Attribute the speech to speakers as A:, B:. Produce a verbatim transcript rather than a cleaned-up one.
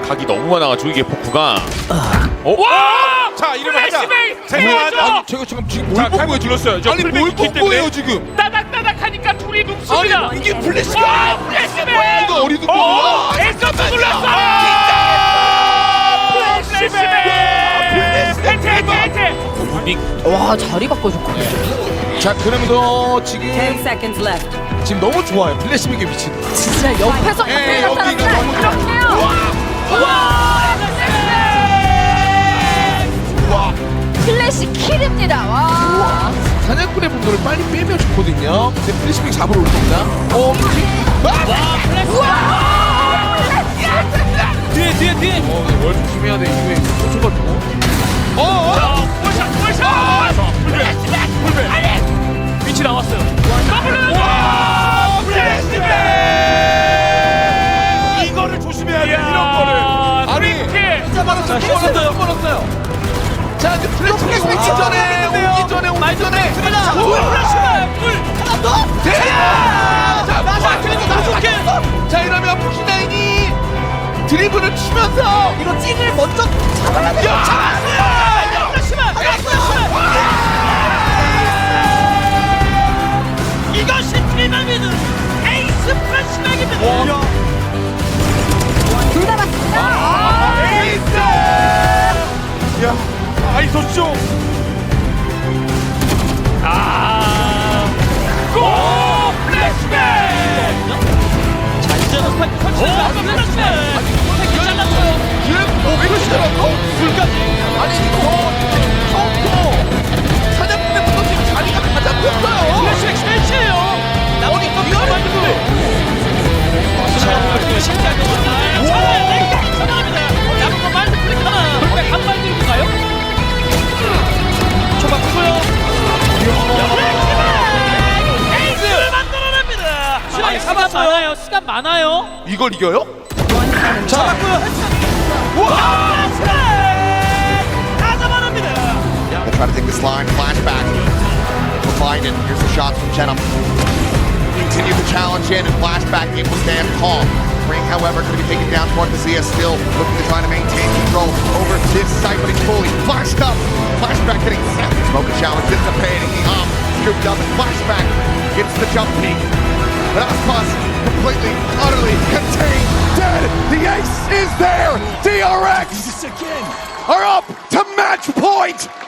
A: 각이 너무 많아가지고 이게 포크가. 어?
B: 와!
A: 자 이러면 하자.
B: 생각하죠.
C: 아니 제가 지금 지금 뭘
A: 자
C: 본
A: 탈모
C: 거예요?
A: 눌렀어요. 저
C: 아니
A: 풀백
C: 뭘
A: 있기
C: 본
A: 때문에.
C: 거예요 지금?
B: 따닥따닥하니까 둘이 눕습니다.
C: 아니 이게 플래시가
B: 와! 플래시맨!
C: 이거 어리둥
B: 어!
C: 거야?
B: 에스도 눌렀어! 플래시맨! 해체 해체 해체!
D: 와 자리 바꿔줬거든요.
C: 자 그러면서 지금
E: ten seconds left.
C: 지금 너무 좋아요. 플래시백의 위치도.
D: 진짜 옆에서
C: 예,
D: 옆에
C: 여기가 너무
D: 이렇게요.
C: 와
D: 플래시 킬입니다. 와.
C: 사냥꾼의 분노를 빨리 빼면 좋거든요. 이제 플래시백 잡으러 올 겁니다. 어 뭐지?
B: 뒤에 뒤에 뒤에!
C: 어, 네, 월 조심해야 돼. 이후에 꽂혀가지고. 어, 어?
B: 자, 풀샷 풀샷! 플래시맨! 아니! 위치 나왔어요. 더블! 와! 플래시맨!
A: 이거를 조심해야 돼. 이런 거를.
C: 아니,
B: 프리킥!
C: 진짜 많았어요. 벌었어요. 벌었어요. 자, 이제 플래시백 오기 전에, 오기 전에, 오기 전에.
B: 플래시맨! 풀!
C: 하나 더. 대. 자, 자, 그래도 나좋게. 자, 이러면 푸키나인이 드리블을 치면서 이거 찐을 먼저 잡아야 돼요. 잡았어요.
B: 플래시맨! 플래시맨! 이것이 트리널미드 에이스 플래시맨입니다.
D: 둘 다 맞습니다.
C: 에이스.
A: 야 아이소쇼.
B: 아, 고 플래시맨! 잔잔한 스파이크 설치했다. 플래시맨! 스파이크 잘랐어요.
C: 지금 뭐왜 그러시더라고?
B: 불까지.
C: 아니 이거 처음부터 사냥꾼의 분노 지금 자리가 다 잡혔어요.
B: 플래시맨 스매치예요. 나머지 거 만들고. 신기하게 전화합니다. 남은 거 마인드 플릭 하나. 한 마인드 가요? 초 바꾸고요. 에이스 만들어냅니다. 시간 많아요. 시간 많아요.
C: 이걸 이겨요?
B: 자, 바꾸요. 와! 다 잡아냅니다.
F: They try to take this line, flashback for Biden. Here's the shots from Chenham. Continue the challenge in and flashback able to stand calm. Ring, however, going to be taken down toward the Zia, still looking to try to maintain control over this site, but he's fully flashed up. Flashback getting set. Smoke challenge dissipating. The arm scooped up and flashback gets the jump peak. But Aspas completely, utterly contained, dead. The ace is there. D R X are up to match point.